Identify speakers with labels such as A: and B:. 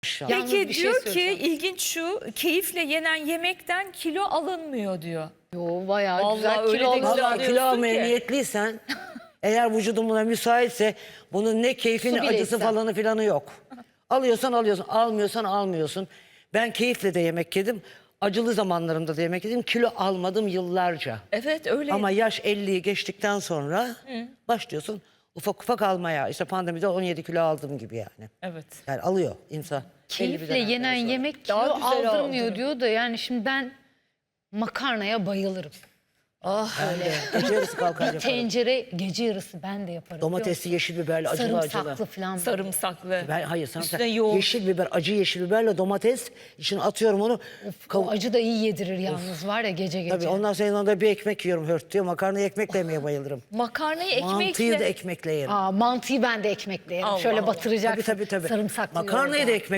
A: Yalnız
B: Peki
A: bir şey
B: diyor ki
A: söyleyeceğim.
B: ilginç şu, keyifle yenen yemekten kilo alınmıyor diyor.
A: Yo bayağı
B: Vallahi
A: güzel
B: öyle
A: kilo
B: de
A: alıyor.
B: güzel.
C: Vallahi kilo
B: diyorsun
C: almaya
B: ki.
C: niyetliysen eğer vücudun buna müsaitse bunun ne keyfini
A: Su bile
C: acısı
A: içsen.
C: falanı filanı yok. Alıyorsan alıyorsun, almıyorsan almıyorsun. Ben keyifle de yemek yedim. Acılı zamanlarımda da yemek yedim. Kilo almadım yıllarca.
B: Evet öyle.
C: Ama yaş 50'yi geçtikten sonra başlıyorsun ufak ufak almaya. İşte pandemide 17 kilo aldım gibi yani.
B: Evet.
C: Yani alıyor insan. belli bir
A: Keyifle
C: dönemden
A: yenen
C: sonra.
A: yemek
B: Daha
A: kilo
B: güzel
A: aldırmıyor
B: aldırır.
A: diyor da yani şimdi ben makarnaya bayılırım.
C: Öyle. Gece yarısı kalkar yaparım.
A: Tencere gece yarısı ben de yaparım.
C: Domatesli, yeşil biberli, acılı acılı.
A: sarımsaklı falan.
B: Sarımsaklı.
C: Hayır sarımsak.
B: Üstüne yoğurt.
C: Yeşil biber, acı yeşil biberle domates. İçine atıyorum onu.
A: O acı da iyi yedirir yalnız var ya gece gece.
C: Tabii ondan sonra yanında bir ekmek yiyorum hört diyor. Makarnayı ekmekle yemeye bayılırım.
B: Makarnayı
C: Mantıyı
B: ekmekle.
C: da ekmekle yerim.
A: Mantıyı ben de ekmekle yerim.
B: Allah
A: Şöyle
B: Allah.
A: batıracaksın.
C: Tabii.
A: Sarımsaklı
C: Makarnayı
A: yoğurda.
C: da ekmek